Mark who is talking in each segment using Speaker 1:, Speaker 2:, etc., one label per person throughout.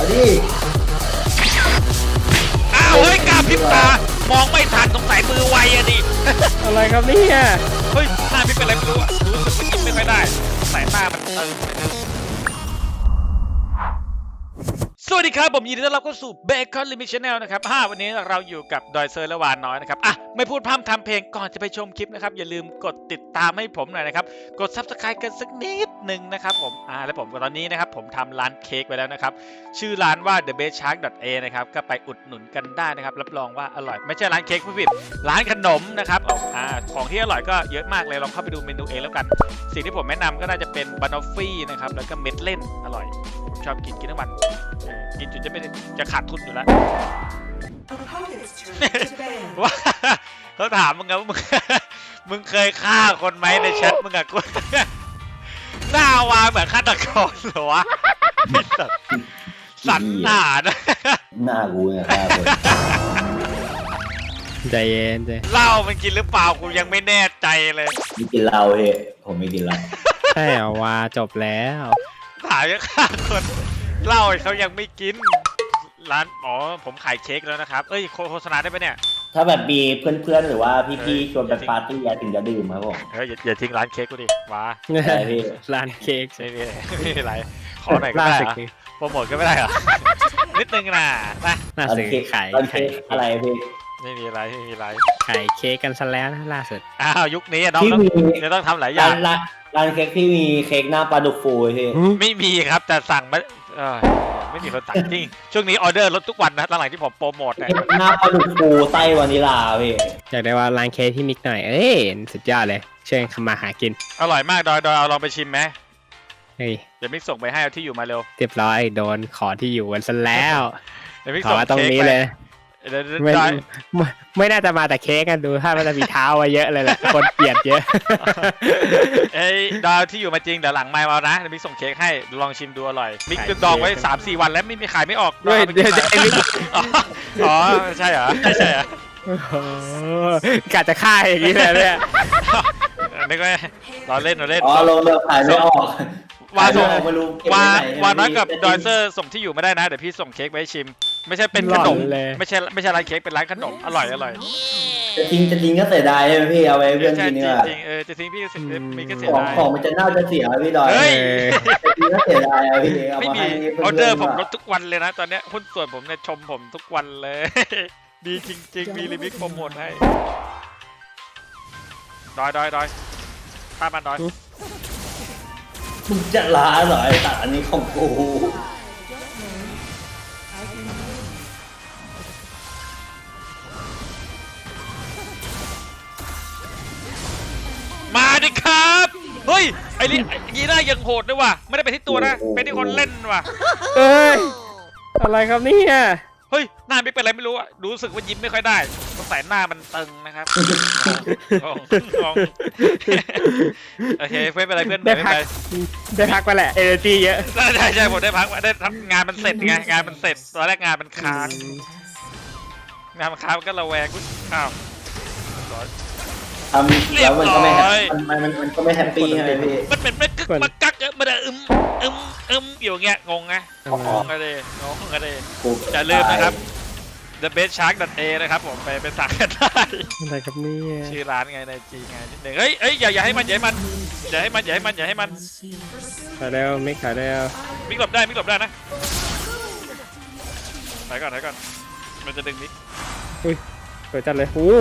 Speaker 1: เอาดิ
Speaker 2: อ้าวเฮ้ยกล้าพริบตามองไม่ทันสงสัยมือไวอะดิ
Speaker 3: อะไรครับเนี่ย
Speaker 2: เฮ้ยหน้าพี่เป็นอะไรไม่รู้อะรู้สึกว่ายิ้มไม่ค่อยได้สายหน้ามันสวัสดีครับผมยินดีต้อนรับเข้าสู่ Bacon Limit Channel นะครับวันนี้เราอยู่กับดอยเซอร์และวานน้อยนะครับไม่พูดพร่ำทำเพลงก่อนจะไปชมคลิปนะครับอย่าลืมกดติดตามให้ผมหน่อยนะครับกด Subscribe กันสักนิดหนึ่งนะครับผมและผมตอนนี้นะครับผมทำร้านเค้กไว้แล้วนะครับชื่อร้านว่า thebestshark.a นะครับก็ไปอุดหนุนกันได้นะครับรับรองว่าอร่อยไม่ใช่ร้านเค้กผู้ผิดร้านขนมนะครับของที่อร่อยก็เยอะมากเลยลองเข้าไปดูเมนูเองแล้วกันสิ่งที่ผมแนะนำก็น่าจะเป็นบานอฟฟี่นะครับแล้วก็เม็ดเล่นอร่อยผมชอบกินทั้งวันกินจนจะขาดทุนอยู่แล้วว่าเขาถามมึงไงว่ามึงเคยฆ่าคนไหมในแชทมึงอะกูหน้าวาเหมือนฆาตกรเหรอวะสันหนานะ
Speaker 1: หน้ากูเนี่ยฆ่าคน
Speaker 3: ใจเย็นใจ
Speaker 2: เหล้ามันกินหรือเปล่ากูยังไม่แน่ใจเลย
Speaker 1: ไม่กินเหล้าเฮ้ยผมไม่กินเหล้า
Speaker 3: ใช่เหรอวาจบแล้ว
Speaker 2: ถามยังฆ่าคนเหล้าเขายังไม่กินร้านผมขายเค้กแล้วนะครับเอ้ยโฆษณาได้ปะเนี่ย
Speaker 1: ถ้าแบบมีเพื่อนๆหรือว่าพี่ๆชวนไปปาร์ตี้ถึงจะดื่มครับผม
Speaker 2: อย่าทิ้งร้านเค้กกูดิว้า
Speaker 3: ร้านเค้ก
Speaker 2: ไม่มีอะไรขอหน่อยก็ได้โปรโมทก็ไม่ได้เหรอนิดนึงนะ
Speaker 3: น่าซื้อขาย
Speaker 1: อะไรพี่
Speaker 2: ไม่มีอะไร
Speaker 3: ขายเค้กกันซะแล้วนะล่าสุด
Speaker 2: ยุคนี้น้องจะต้องทำหลายอย่าง
Speaker 1: ร้านเค้กที่มีเค้กหน้าปลาดุกฟูพี่
Speaker 2: ไม่มีครับแต่สั่งไม่มีคนสั่งจริงช่วงนี้ออเดอร์ลดทุกวันนะหลังๆที่ผมโปรโมท
Speaker 1: หน้าปลาดุกฟูไส้วานิลาพี่
Speaker 3: อยากได้ว่าร้านเค้กที่มิกหน่อยสุดยอดเลยเชิญมาหากิน
Speaker 2: อร่อยมากดอยเอาลองไปชิมไหม
Speaker 3: เฮ้ย
Speaker 2: เดี๋ยวมิกส่งไปให้เอาที่อยู่มาเร็ว
Speaker 3: เรียบร้อยโดนขอที่อยู่กันซะแล้ว
Speaker 2: เดี๋ยวมิก
Speaker 3: ส่งตรงนี้เลยไม่น่าจะมาแต่เค้กกันดูถ้ามันจะมีเท้าไว้เยอะเลยแหละคนเกลียดเยอะ
Speaker 2: ดาวที่อยู่มาจริงเดี๋ยวหลังไมค์มานะมิกส่งเค้กให้ลองชิมดูอร่อยมิกดองไว้ 3-4 วันแล้วไม่มีขายไม่ออก
Speaker 3: ด้วยเดี๋ยวจะ
Speaker 2: ใช่เหรอไม่ใช่เหร
Speaker 3: อกะจะฆ่าอย่างนี้เลยเนี่ย
Speaker 2: นี่ก็เราเล่น
Speaker 1: ลงเรือขายไม่ออก
Speaker 2: วาน้อยกับดอยเซอร์ส่งที่อยู่ไม่ได้นะเดี๋ยวพี่ส่งเค้กไปให้ชิมไม่ใช่เป็นขนมไม่ใช่ร้านเค้กเป็นร้านขนมอร่อย
Speaker 1: จะทิ้งก็เสียดายใช่ไหมพี่เอาไว้เพื่อนกินเนี่ย
Speaker 2: จริงจะทิ้งพี่มีก็เสียดาย
Speaker 1: ของมันจะน่าจะเสียพี่ดอยจะทิ้งก็เสียดายพี่
Speaker 2: ไม่มีออเดอร์ผมลดทุกวันเลยนะตอนนี้หุ้นส่วนผมเนี่ยชมผมทุกวันเลยดีจริงมีลิมิตโปรโมทให้ดอยป้ามันดอย
Speaker 1: มึงจะล้าเหรอไอ้ตัดอันนี้ของกู
Speaker 2: มาดิครับเฮ้ยไอ้ยีน่ายังโหดด้วยว่ะไม่ได้ไปที่ตัวนะเป็นที่คนเล่นว่ะ
Speaker 3: อะไรครับเนี่ย
Speaker 2: เฮ้ยหน้าไม่เป็นอะไรไม่รู้อ่ะรู้สึกว่ายิ้มไม่ค่อยได้สงสัยหน้ามันตึงนะครับโอเคเพื่อนเป็นอะไรเพื่อน
Speaker 3: ได้พักไปแหละเอเนอร์จีเยอะ
Speaker 2: ใช่ผมได้พักได้ทำงานมันเสร็จไงงานมันเสร็จตอนแรกงานมันค้างมันก็ระแวงอ้าว
Speaker 1: ทำแล้วมันก็ไม่แฮปปี้ใช่ไหมพี่
Speaker 2: มันเป็นมันกักมันอยู่เงี้ยงงไงอะไรจะลืมนะครับ thebestshark.a นะครับผมไปสั่งกันได้
Speaker 3: อะไรครับนี่
Speaker 2: ชื่อร้านไงในจีไงนิดหนึ่งเฮ้ยอย่าให้มันขาย
Speaker 3: แล้วไม่ขายแล้ว
Speaker 2: มิกหลบได้นะถอยก่อนมันจะดึงมิก
Speaker 3: เปิดจัดเลยโอ้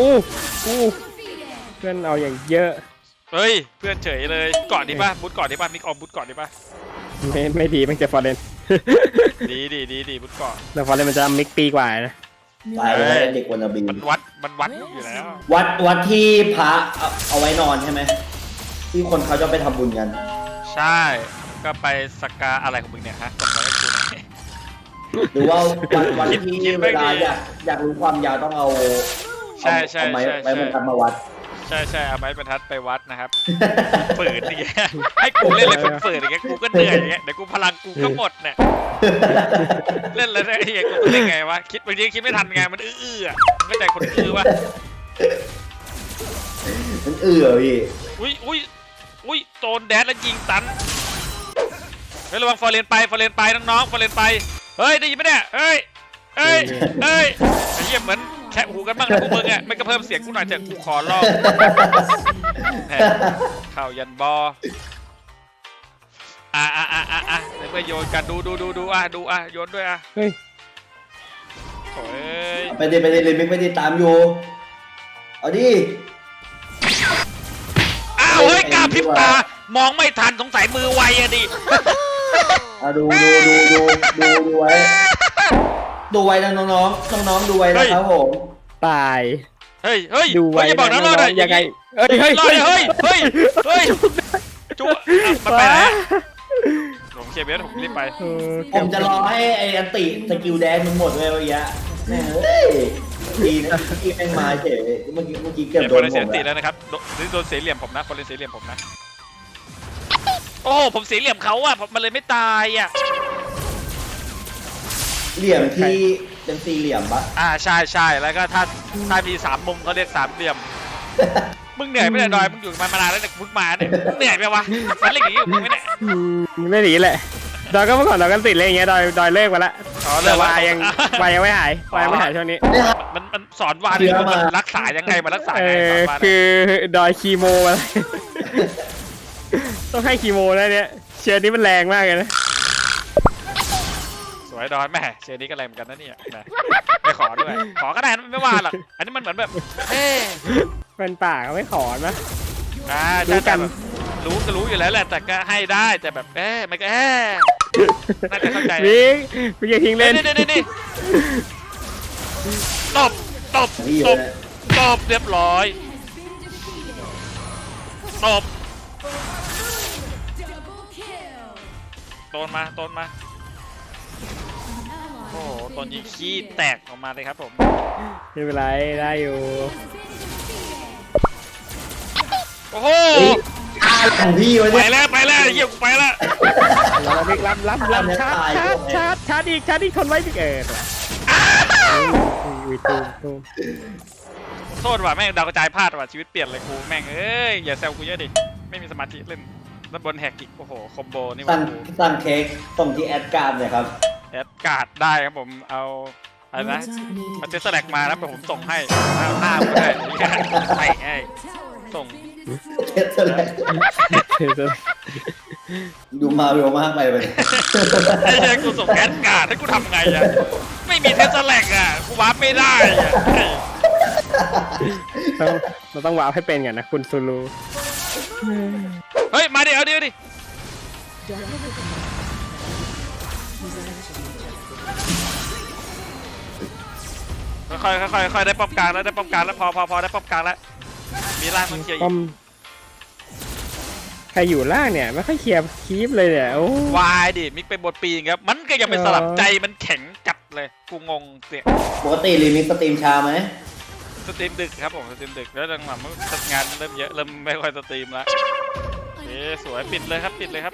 Speaker 3: เพื่อนเอาอย่างเยอะ
Speaker 2: เฮ้ยเพื่อนเฉยเลยก่อนดีป่ะบูทก่อนดีป่ะมิกออมบูทก่อนดีป่ะ
Speaker 3: ไม่ดีมันจะฟอร์เรน
Speaker 2: ดีบูทก่อน
Speaker 3: แต่ฟอร์เรนมันจะมิกปีกว่านะ
Speaker 1: ไปเด็กวันนาบี
Speaker 2: มันวัดอยู่แล้ว
Speaker 1: วัดที่พระเอาไว้นอนใช่ไหมที่คนเขาจะไปทำบุญกัน
Speaker 2: ใช่ก็ไปสักการอะไรของมึงเนี่ยฮะส่งมาให้กู
Speaker 1: หรือว่าวันที่เวลาอยากรู้ความยาวต้องเอา
Speaker 2: ใช่
Speaker 1: ไม้บรรทัดมาวัด
Speaker 2: ใช่เอาไม้บรรทัดไปวัดนะครับฝืนอย่างเงี้ยให้กูเล่นอะไรฝืนอย่างเงี้ยกูก็เหนื่อยอย่างเงี้ยเดี๋ยวกูพลังกูก็หมดเนี่ยเล่นอะไรได้ไอ้กูเล่นไงวะบางทีคิดไม่ทันไงมันไม่ใจคนวะ
Speaker 1: มันพี่
Speaker 2: อุ้ยโดนแดดแล้วยิงตันเฮ้ยระวังฟอร์เรนไปน้องๆฟอร์เรนไปเฮ้ยได้ยินไหมเนี่ยเฮ้ยไอ้เหี้ยเหมือนแคะหูกันบ้างนะพวกมึงอ่ะไม่ก็เพิ่มเสียงกูหน่อยเถอะกูขอร้องเข้ายันบอในเมื่อโยนกันดูโยนด้วย
Speaker 3: เฮ้ย
Speaker 2: โอ้ย
Speaker 1: ไปดิเลยมิกไปดิตามอยู่เอาดิ
Speaker 2: เฮ้ยกล้าพริบตามองไม่ทันสงสัยมือไวอะดิ
Speaker 1: ดูไว้ดูไว้น้องดูไว้นะครับผม
Speaker 3: ตาย
Speaker 2: เฮ้ย
Speaker 3: ดูไว้
Speaker 2: อย่าบอกนะรอดเลย
Speaker 3: ยังไงเฮ้ย
Speaker 2: จุ๊มันไปไหนผมเคลียร์เบสผมรีบไป
Speaker 1: ผมจะรอให้ไอ้อันติสกิลแดนมึงหมดเลยวันนี้เฮ้ยดีนะที่แม่งมาเฉยเมื่อกี้เกือบโดนผม
Speaker 2: เสียติแล้วนะครับโดนเสียเหลี่ยมผมนะคนเล่นเสียเหลี่ยมผมนะโอ้ผมเสียเหลี่ยมเขาอะมันเลยไม่ตายอะ
Speaker 1: เหลี่ยมที่เป็นสี่เหลี่ยมปะ
Speaker 2: ใช่แล้วก็ถ้ามี3 มุมเขาเรียก3 เหลี่ยมมึงเหนื่อยไม่ได้ดอยมึงอยู่มานานแล้วเนี่ยมึงมาเนี่ยมึงเหนื่อยไหมวะมันเล่นอย่างนี้มึงไม่เนี่ย
Speaker 3: ไม่หนีแหละดอยก็เมื่อก่อนดอยกันติดเลยอย่างเงี้ยดอยเลิกไปละแต่วายยังไม่หายช่วงนี้
Speaker 2: มันสอนวายมันรักษายังไงมันรักษาไง
Speaker 3: คือดอยคีโมอะไรต้องให้คีโมนะเนี่ยเชื้อนี้มันแรงมากเลยนะ
Speaker 2: สวยดอยแม่เชื้อนี้ก็แรงเหมือนกันนะเนี่ยไม่ขอด้วยขอก็ได้ไม่ว่าหรอกอันนี้มันเหมือนแบบ
Speaker 3: เป็นป่าเขาไม่ขอนะ
Speaker 2: รู้กันรู้อยู่แล้วแหละแต่ก็ให้ได้แต่แบบมันก็น่าจะเข้าใจ
Speaker 3: พี่อย่าทิ้งเล่น
Speaker 2: นี่ตบเรียบร้อยตบต้นมาโอ้โหต้นยิงขี้แตกออกมาเลยครับผม
Speaker 3: ไม่เป็นไรได้อยู่
Speaker 2: โอ้โห
Speaker 1: ของพี่วะ
Speaker 2: เนี่ยไปแล้วเยี่ยมไปแล้ว
Speaker 3: เราไม่รับชาร์จอีกคนไว้พี่เกิด
Speaker 2: โทษว่ะแม่งดาวกระจายพลาดว่ะชีวิตเปลี่ยนเลยกูแม่งอย่าแซวกูเยอะดิไม่มีสมาธิเล่นแล้วบนแฮกอีกโอ้โหคอมโบนี่มัน
Speaker 1: สั่งเค้กส่งที่แอดการ์ดเลยครับ
Speaker 2: แอดการ์ดได้ครับผมเอาอะไรนะเอาเทสแลกมาแล้วผมส่งให้หน้าก็ได้ไอ้ส่ง
Speaker 1: เทสแลกดูมาเร็วมากไปเลย
Speaker 2: ไอ้เหี้ยกูส่งแอดการ์ดให้กูทำไงอะไม่มีเทสแลกอะกูวาร์ปไม่ได้อะ
Speaker 3: เราต้องวาร์ปให้เป็นกันนะคุณซูลู
Speaker 2: เฮ้ยมาดิเอาดิค่อยได้ป้อมกลางแล้วพอได้ป้อมกลางแล้วมีล่างต้องเคลียร์
Speaker 3: ใครอยู่ล่างเนี่ยไม่ค่อยเคลียร์คีปเลยเนี่ยโอ้
Speaker 2: วายดิมิกเป็นบทปีนครับมันก็ยังเป็นสลับใจมันแข็งจัดเลยกูงงเสีย
Speaker 1: ปกติรีมิกสตรีมช้าไหม
Speaker 2: สตรีมดึกครับผมสตรีมดึกแล้วหลังๆงานเริ่มเยอะเริ่มไม่ค่อยสตรีมแล้วสวยปิดเลยครับ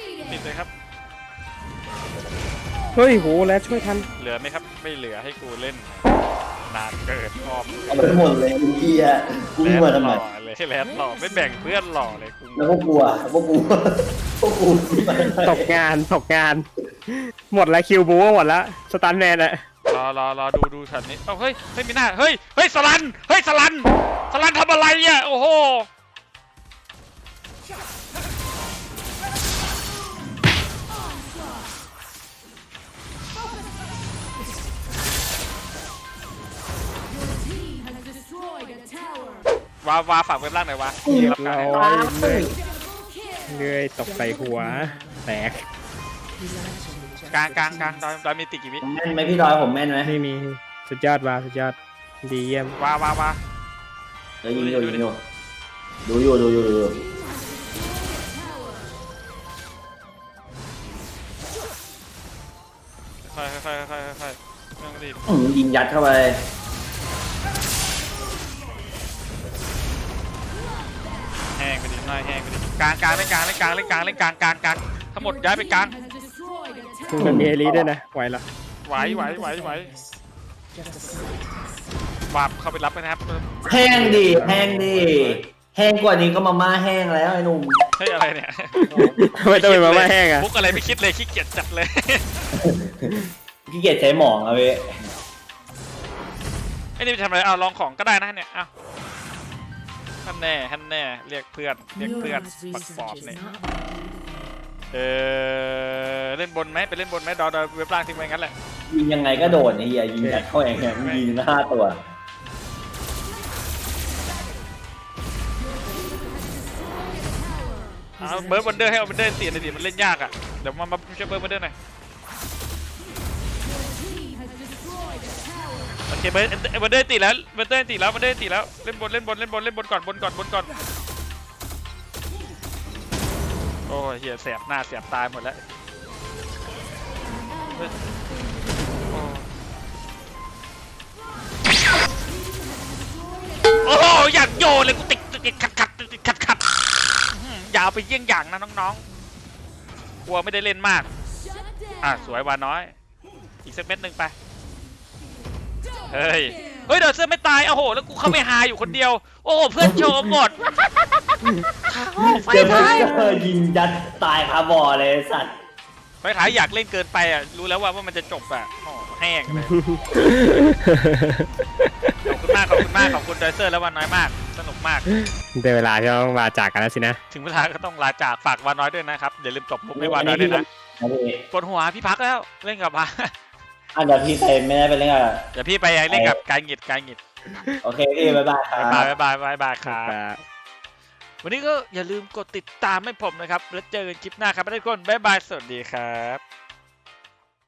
Speaker 3: เฮ้ยโหแล้วช่วยทัน
Speaker 2: เหลือไหมครับไม่เหลือให้กูเล่นนานเกินชอบ
Speaker 1: เอาไปหมดเลยคุณพี่อะกูมาทำไม
Speaker 2: เลยแลนหล่อไม่แบ่งเพื่อนหล่อเลยกู
Speaker 1: แล้วพวกกู
Speaker 3: ตกงานหมดแล้วคิวบูหมดแล้วสตันแมนอะ
Speaker 2: รอดูฉันนี้เฮ้ยมีหน้าเฮ้ยสลันทำอะไรอ่ะโอ้โหวาฝากเว็บล่างหน่อยวะ
Speaker 3: เลื่อยตกใส่หัวแตก
Speaker 2: กลางดอยมีติกี่วิ
Speaker 1: แม่นไหมพี่ดอยผมแม่นไหม
Speaker 3: ไม่มีสุดยอดดีเยี่ยม
Speaker 2: วา
Speaker 1: ยิงอยู่ดูอยู่
Speaker 2: ค่อยไม่ต้องรีบ
Speaker 1: ยิงยัดเข้าไป
Speaker 2: แห้งไปดิกลางเล่นกลางทั้งหมดย้ายไปกลาง
Speaker 3: มันมีเอลีด้วยนะไหวเหรอ
Speaker 2: ไหววาบเข้าไปรับนะครับ
Speaker 1: แห้งกว่านี้ก็มาม่าแห้งแล้วไอ้หนุ่ม
Speaker 2: เฮ้ยอะไรเนี่ย
Speaker 3: ไม่ต้องเป็นมาม่าแห้งอะ
Speaker 2: มุกอะไรไม่คิดเลยขี้เกียจจัดเลย
Speaker 1: ขี้เกียจใช้หมองอะพี่
Speaker 2: ไอ้นี่ไปทำอะไรเอาลองของก็ได้นะเนี่ยเอาท่านแน่เรียกเพื่อนปักปอบเนี่ยเล่นบนไหมไปเล่นบนไหมดอยเว็บล่างทิ้งไว้งั้นแหละ
Speaker 1: ยิงยังไงก็โดนไอ้เหี้ยยิงยัดเข้าเองเนี่ยยิง5 ตัว
Speaker 2: เอาเบิร์ดวันเดอร์ให้เอาวันเดอร์ตีหน่อยดิมันเล่นยากอ่ะเดี๋ยวมาช่วยเบิร์ดวันเดอร์หน่อยโอเคเบิร์ดวันเดอร์ตีแล้ววันเดอร์ตีแล้วเล่นบนก่อนบนก่อนโอ้ยเหี้ยแสบหน้าแสบตายหมดแล้วโอ้โหอยากโยนเลยกูติดขัดอย่าเอาไปเยี่ยงอย่างนะน้องๆกลัวไม่ได้เล่นมากสวยวาน้อยอีกสักเม็ดหนึ่งไปเฮ้ยเดี๋ยวเสื้อไม่ตายโอ้โหแล้วกูเข้าไปหาอยู่คนเดียวโอ้โหเพื่อนโชว์หมดไฟ
Speaker 1: เจอ
Speaker 2: ท้าย
Speaker 1: ยิงยัดตายคาบ่อเลยสัตว์
Speaker 2: ไฟท้ายอยากเล่นเกินไปอ่ะรู้แล้วว่ามันจะจบอ่ะโอ้แห้งเลยขอบคุณไดเซอร์แล้ววันน้อยมากสนุกมาก
Speaker 3: ได้เวลาที่ต้องลาจากกันแล้วสินะ
Speaker 2: ถึงเวลาก็ต้องลาจากฝากวาน้อยด้วยนะครับอย่าลืมตบมุกให้วาน้อยด้วยนะปวดหัวพี่พักแล้วเล่นกับมา
Speaker 1: เดี๋ยวพี่ไปไม่ได้ไปเล่นกับ
Speaker 2: เดี๋ยวพี่ไปเล่นกับการหงิด
Speaker 1: โอเคพี่บ๊ายบายครับ
Speaker 2: บ๊ายบายครับวันนี้ก็อย่าลืมกดติดตามให้ผมนะครับแล้วเจอกันคลิปหน้าครับทุกคนบ๊ายบายสวัสดีครับ